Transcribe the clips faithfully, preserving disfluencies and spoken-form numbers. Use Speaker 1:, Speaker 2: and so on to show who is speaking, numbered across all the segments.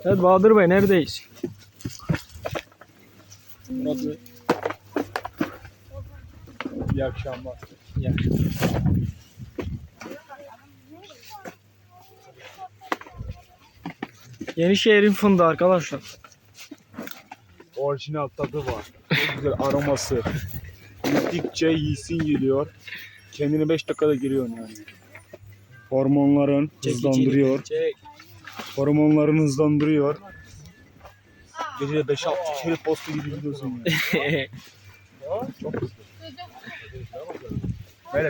Speaker 1: Evet Bahadır Bey neredeyiz?
Speaker 2: Burası. İyi akşamlar.
Speaker 1: Ya. Yenişehir'in fındığı arkadaşlar.
Speaker 2: Orijinal tadı var. Çok güzel aroması. Yedikçe yiyin geliyor. Kendini beş dakikada giriyor yani. Hormonların hızlandırıyor.
Speaker 1: Çek.
Speaker 2: Hormonların hızlandırıyor. Gece beş altı kere posta gibi gidiyorsun yani. Çok hızlı. Böyle.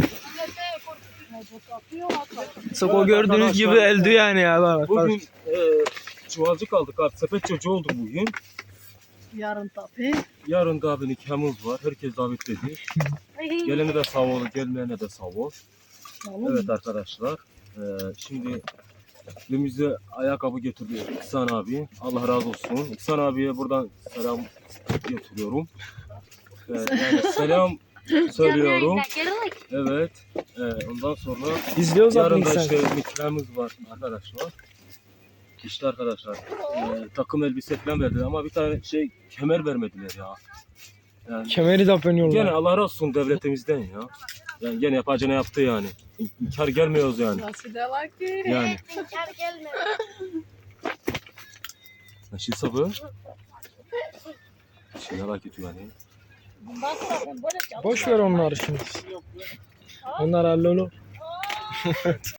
Speaker 1: Sık o gördüğünüz gibi elde yani ya. Bak,
Speaker 2: Bugün e, çuvalcık aldık abi. Sepet çocuğu olduk bugün.
Speaker 3: Yarın tabii.
Speaker 2: Yarın da abi nikahımız var. Herkes davetledi. Gelene de sağ ol, gelmeyene de sağ ol. Evet arkadaşlar. E, şimdi önümüze ayakkabı getirdi İhsan abi. Allah razı olsun. İhsan abiye buradan selam getiriyorum. E, yani selam söylüyorum. Evet. E, ondan sonra
Speaker 1: İzliyoruz zaten
Speaker 2: yarın da
Speaker 1: insan.
Speaker 2: işte nikahımız var arkadaşlar. İşte arkadaşlar e, takım elbise falan verdiler ama bir tane şey kemer vermediler ya. Yani
Speaker 1: Kemeri de yapıyorlar.
Speaker 2: gene Allah razı olsun devletimizden ya. Yani gene yapacağını yaptı yani. İnkar gelmiyoruz yani.
Speaker 3: Nasıl diyorlar ki?
Speaker 2: Yani.
Speaker 4: İnkar gelme.
Speaker 2: Nasıl sabı? Şey merak ediyor yani.
Speaker 3: Bundan sonra ben böyle
Speaker 1: Boş ver onları şimdi. Onlar hallolur.